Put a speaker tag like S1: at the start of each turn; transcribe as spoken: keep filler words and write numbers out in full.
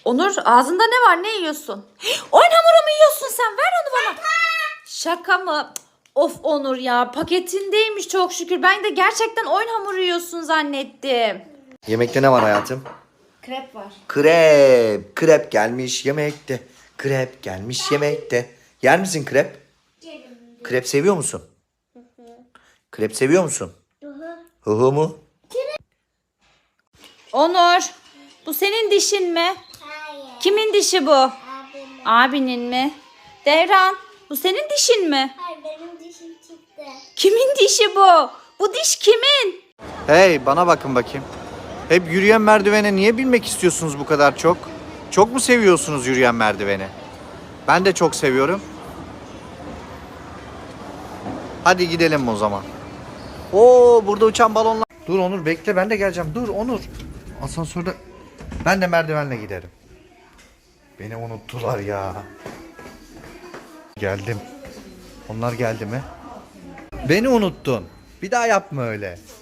S1: Onur ağzında ne var? Ne yiyorsun? Oyun hamuru mu yiyorsun sen? Ver onu bana. Şaka mı? Of Onur ya, paketindeymiş çok şükür. Ben de gerçekten oyun hamuru yiyorsun zannettim.
S2: Yemekte ne var hayatım?
S1: Krep var.
S2: Krep. Krep gelmiş yemekte. Krep gelmiş yemekte. Yer misin krep? Krep seviyor musun? Krep seviyor musun? Hı hı mu?
S1: Onur, bu senin dişin mi?
S3: Hayır.
S1: Kimin dişi bu?
S3: Abimin.
S1: Abinin mi? Devran, bu senin dişin mi?
S3: Hayır, benim dişim çıktı.
S1: Kimin dişi bu? Bu diş kimin?
S2: Hey, bana bakın bakayım. Hep yürüyen merdivene niye binmek istiyorsunuz bu kadar çok? Çok mu seviyorsunuz yürüyen merdiveni? Ben de çok seviyorum. Hadi gidelim o zaman. Oo, burada uçan balonlar. Dur Onur, bekle, ben de geleceğim. Dur Onur. Asansörde ben de merdivenle giderim. Beni unuttular ya. Geldim. Onlar geldi mi? Beni unuttun. Bir daha yapma öyle.